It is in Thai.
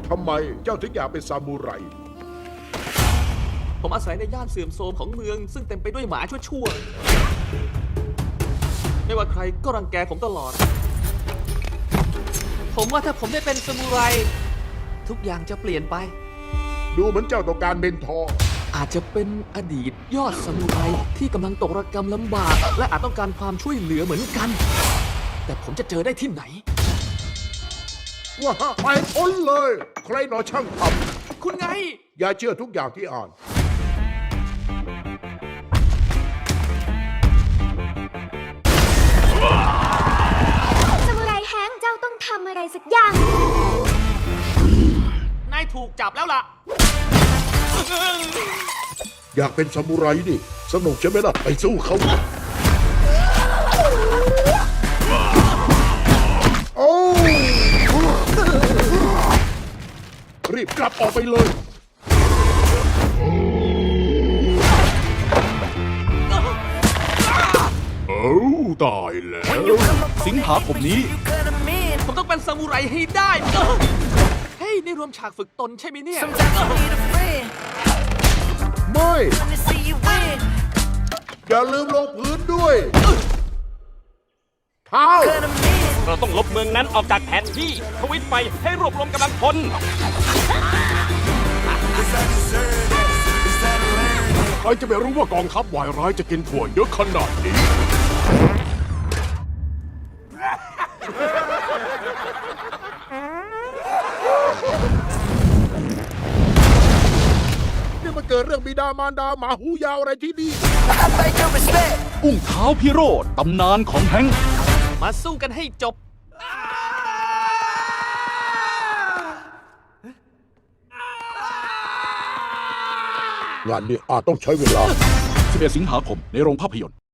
ทำไมเจ้าถึงอยากเป็นซามูไรผมอาศัยในย่านเสื่อมโทรมของเมือง ซึ่งเต็มไปด้วยหมาชั่วๆไม่ว่าใครก็รังแกผมตลอด ผมว่าถ้าผมได้เป็นซามูไรทุกอย่างจะเปลี่ยนไปดูเหมือนเจ้าต้องการเมนทอร์อาจจะเป็นอดีตยอดซามูไรที่กำลังตกระกำลำบาก และอาจต้องการความช่วยเหลือเหมือนกัน แต่ผมจะเจอได้ที่ไหนว่าไปพ้นเลย ใครหนอช่างทคุณไงำอย่าเชื่อทุกอย่างที่อ่านซามูไรแฮงค์เจ้าต้องทำอะไรสักอย่างนายถูกจับแล้วล่ะอยากเป็นซามูไรนี่สนุกใช่ไหมล่ะ ไปสู้เขาโอ้รีบกลับออกไปเลยเอ้าตายแล้ว สิงหาคมนี้ผมต้องเป็นซามูไรให้ได้ เฮ้ยนี่รวมฉากฝึกตนใช่ไหมเนี่ยไม่ อย่าลืมลงพื้นด้วย เท้าเราต้องลบเมืองนั้นออกจากแผนที่ทวิตไปให้รวบรวมกำลังพลใครจะไปรู้ว่ากองทัพวายร้ายจะกินถั่วเยอะขนาดนี้นี่มันเกิดเรื่องบิดามารดาหมาหูยาวอะไรที่นี่อุ้งเท้าพิโรธตำนานของแฮงค์มาสู้กันให้จบงานนี้อาจต้องใช้เวลา 11 สิงหาคมในโรงภาพยนตร์